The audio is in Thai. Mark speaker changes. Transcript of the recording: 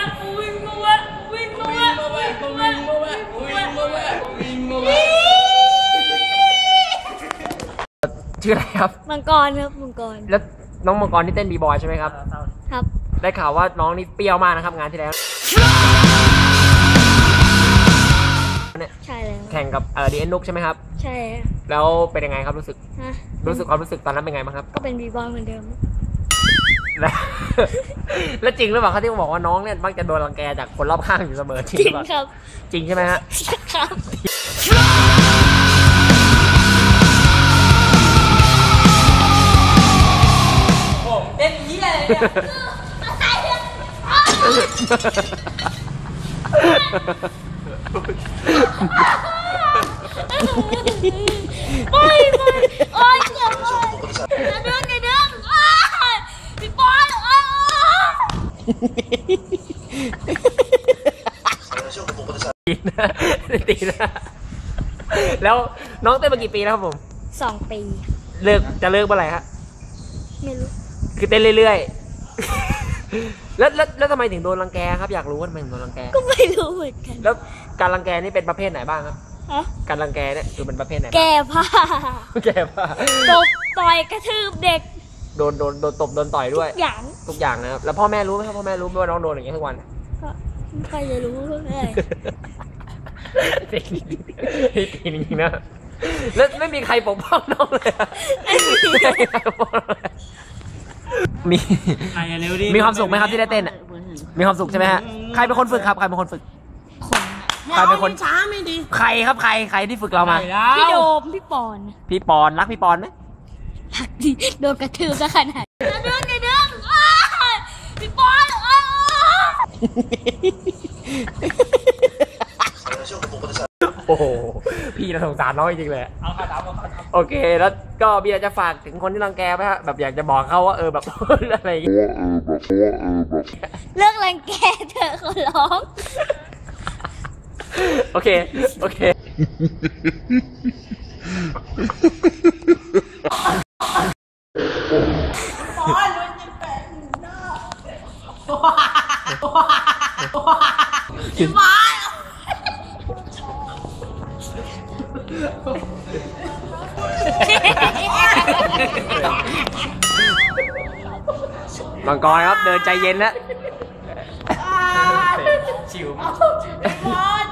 Speaker 1: ชื่ออะไรครับ
Speaker 2: มังกรครับมังกร
Speaker 1: แล้วน้องมังกรที่เต้นบีบอยใช่ไหมครับ
Speaker 2: ครับ
Speaker 1: ได้ข่าวว่าน้องนี่เปรี้ยวมากนะครับงานที่แล้ว
Speaker 2: ใช่เลย
Speaker 1: แข่งกับดีเอ็นนุกใช่ไหมครับ
Speaker 2: ใช่
Speaker 1: แล้วเป็นยังไงครับรู้สึกความรู้สึกตอนนั้นเป็นไงบ้างครับ
Speaker 2: ก็เป็นบีบอยเหมือนเดิม
Speaker 1: แล้วจริงหรือเปล่าเขาที่บอกว่าน้องเนี่ยมักจะโดนรังแกจากคนรอบข้างอยู่เสมอจริง
Speaker 2: ครับ
Speaker 1: จริงใช่ไหมฮะ
Speaker 2: ครับ
Speaker 3: ผมเต้นยี่อะไรเนี่ย
Speaker 2: ไม่โอ้ยเจ็บเลยกระดึงพี่บอล
Speaker 1: ตีนะแล้วน้องเต้นมากี่ปีแล้วครับผม
Speaker 2: 2 ปี
Speaker 1: จะเลิกเมื่อไหร่ครับ
Speaker 2: ไม่รู้
Speaker 1: คือเต้นเรื่อยๆแล้วทำไมถึงโดนรังแกครับอยากรู้ว่าทำไมถึงโดนรังแก
Speaker 2: ก็ไม่รู้เหมือนกัน
Speaker 1: แล้วการรังแกนี่เป็นประเภทไหนบ้างครับการรังแกเนี่ยคือเป็นประเภทไหน
Speaker 2: แก้ผ้าตบต่อยกระทืบเด็ก
Speaker 1: โดนตบโดนต่อยด้วยทุกอย่างนะครับแล้วพ่อแม่รู้ไหมครับพ่อแม่รู้ไหมว่าน้องโดนอย่างนี้ทุกวัน
Speaker 2: ก็ไม่ค่อยจะรู้เลย
Speaker 1: ตีจริงๆนะแล้วไม่มีใครปกป้องน้องเลยมีความสุขไหมครับที่ได้เต้นอ่ะมีความสุขใช่ไหมฮะใครเป็นคนฝึกครับใครเป็นคนฝึกใครเป็นคนช้าไม่ดีใครครับใครที่ฝึกเรามา
Speaker 2: พี่โดมพี่ปอน
Speaker 1: รักพี่ปอนไหม
Speaker 2: รักดิโดนกระทืบซะขนาดกระดึงพี่ปอน
Speaker 1: โอ้โหพี่น่าสงสารน้องจริงเลยโอเคแล้วก็พี่อยากจะฝากถึงคนที่รังแกไหมฮะแบบอยากจะบอกเขาว่าแบบอะไร
Speaker 2: เลิกรังแกเถอะขอร้อง
Speaker 1: โอเคมังกรครับเดินใจเย็นนะชิว